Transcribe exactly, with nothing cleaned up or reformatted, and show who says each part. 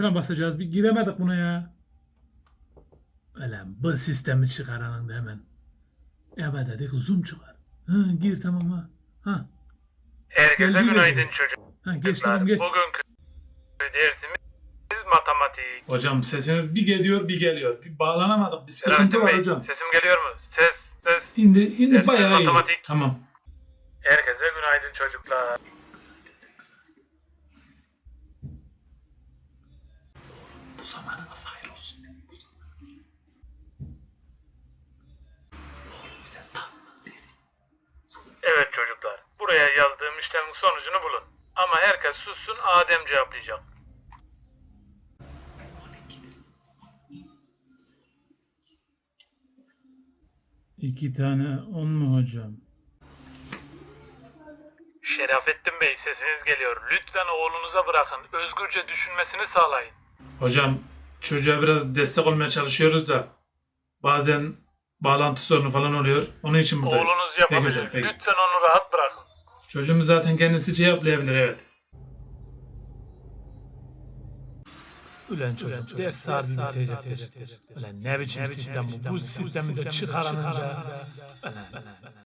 Speaker 1: tuşuna basacağız. Bir giremedik buna ya. Ulan bu sistemi çıkaranın da hemen. Evet dedik zoom çıkar. Ha, gir tamam ha. Ha.
Speaker 2: Herkese
Speaker 1: Geldi
Speaker 2: günaydın
Speaker 1: mi?
Speaker 2: çocuklar.
Speaker 1: Ha, geç tamam geç.
Speaker 2: Bugünkü dersimiz matematik.
Speaker 1: Hocam sesiniz bir geliyor bir geliyor. Bir bağlanamadık. Bir sıkıntı
Speaker 2: Selahattin
Speaker 1: var
Speaker 2: Bey,
Speaker 1: hocam.
Speaker 2: sesim geliyor mu? Ses, ses.
Speaker 1: İndi, indi
Speaker 2: Dersimiz
Speaker 1: bayağı iyi.
Speaker 2: matematik.
Speaker 1: Tamam.
Speaker 2: Herkese günaydın çocuklar.
Speaker 1: Bu zamanınız hayır olsun. Bu zaman. Sen tam
Speaker 2: Evet çocuklar, buraya yazdığım işlemin sonucunu bulun. Ama herkes sussun, Adem cevaplayacak.
Speaker 1: İki tane on mu hocam?
Speaker 2: Şerafettin Bey, sesiniz geliyor. Lütfen oğlunuza bırakın. Özgürce düşünmesini sağlayın.
Speaker 1: Hocam çocuğa biraz destek olmaya çalışıyoruz da bazen bağlantı sorunu falan oluyor. Onun için buradayız.
Speaker 2: Oğlunuz
Speaker 1: Peki
Speaker 2: yapabilir.
Speaker 1: hocam, peki.
Speaker 2: Lütfen onu rahat bırakın.
Speaker 1: Çocuğumuz zaten kendisi cevaplayabilir evet.
Speaker 3: Ulan çocuk ders saati bitecektir. Ulan ne biçim sistem bu? Bu sistemi de çıkaranınca. Ulan.